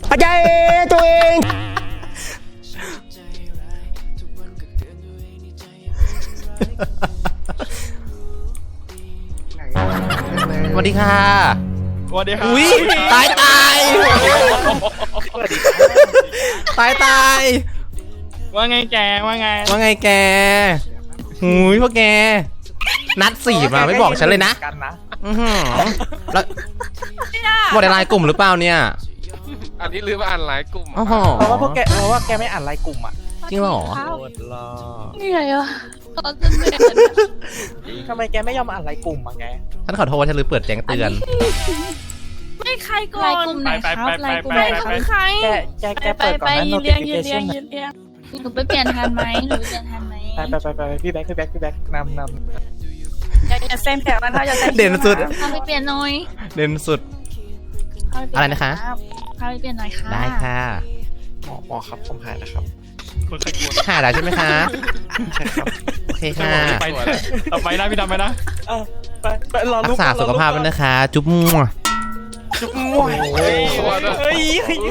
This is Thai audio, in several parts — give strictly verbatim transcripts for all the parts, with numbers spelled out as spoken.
เข้าใจตัวเองสวัสดีค่ะสวัสดีครับอุ้ยตายตายตายตายว่าไงแกว่าไงว่าไงแกหุยพวกแกนัดสี่มาไม่บอกฉันเลยนะอือหือแล้วบอกในไลน์กลุ่มหรือเปล่าเนี่ยอันนี้ลืมอ่านไลน์กลุ่มอ๋อเพราะว่าพวกแกเพราะว่าแกไม่อ่านไลน์กลุ่มอ่ะจริงเหรอเหนื่อยอ่ะตอนจะเหนื่อยทำไมแกไม่ยอมอ่านไลน์กลุ่มอ่ะแกฉันขอโทษฉันลืมเปิดแจ้งเตือนไม่ใครก่อนไลน์กลุ่มไหนครับไลน์กลุ่มไหนของใครแกแกแกเปิดก่อนนะยืนเรียงยืนเรียงยืนเรียงหนูไปเปลี่ยนทันไหมหนูเปลี่ยนทันไหมไปไปไปไปพี่แบ๊กพี่แบ๊กพี่แบ๊กนำนำอย่าอย่าเซนแถวนะอย่าเซนเด่นสุดพาไปเปลี่ยนหน่อยเด่นสุดอะไรนะคะพาไปเปลี่ยนหน่อยค่ะได้ค่ะหมอหมอครับผมหายนะครับหายแล้วใช่ไหมคะใช่ครับโอเคค่ะไปเอาไปนะพี่ดำไปนะไปไปรอรักษาสุขภาพด้วยนะคะจุ๊บมั่วจุ๊บมั่วเฮ้ย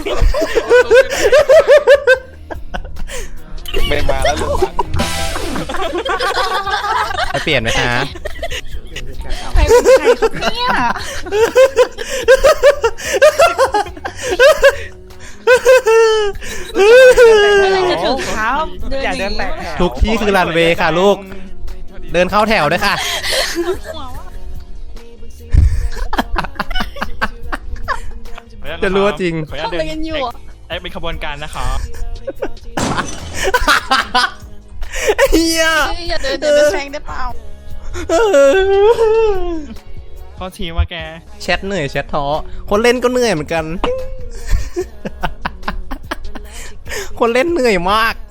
ไม่มาแล้วลูกไปเปลี่ยนไหมคะใครเป็นใครครับเนี่ยอะไรจะถึงเท้าเดินเดินแตกทุกที่คือรันเวย์ค่ะลูกเดินเข้าแถวด้วยค่ะจะรู้จริงทำอะไรกันอยู่ไอ้เป็นขบวนการนะครับเฮียอย่าเดินเดินไปแซงได้เปล่าพอทีว่าแกแชทเหนื่อยแชทท้อคนเล่นก็เหนื่อยเหมือนกันคนเล่นเหนื่อยมาก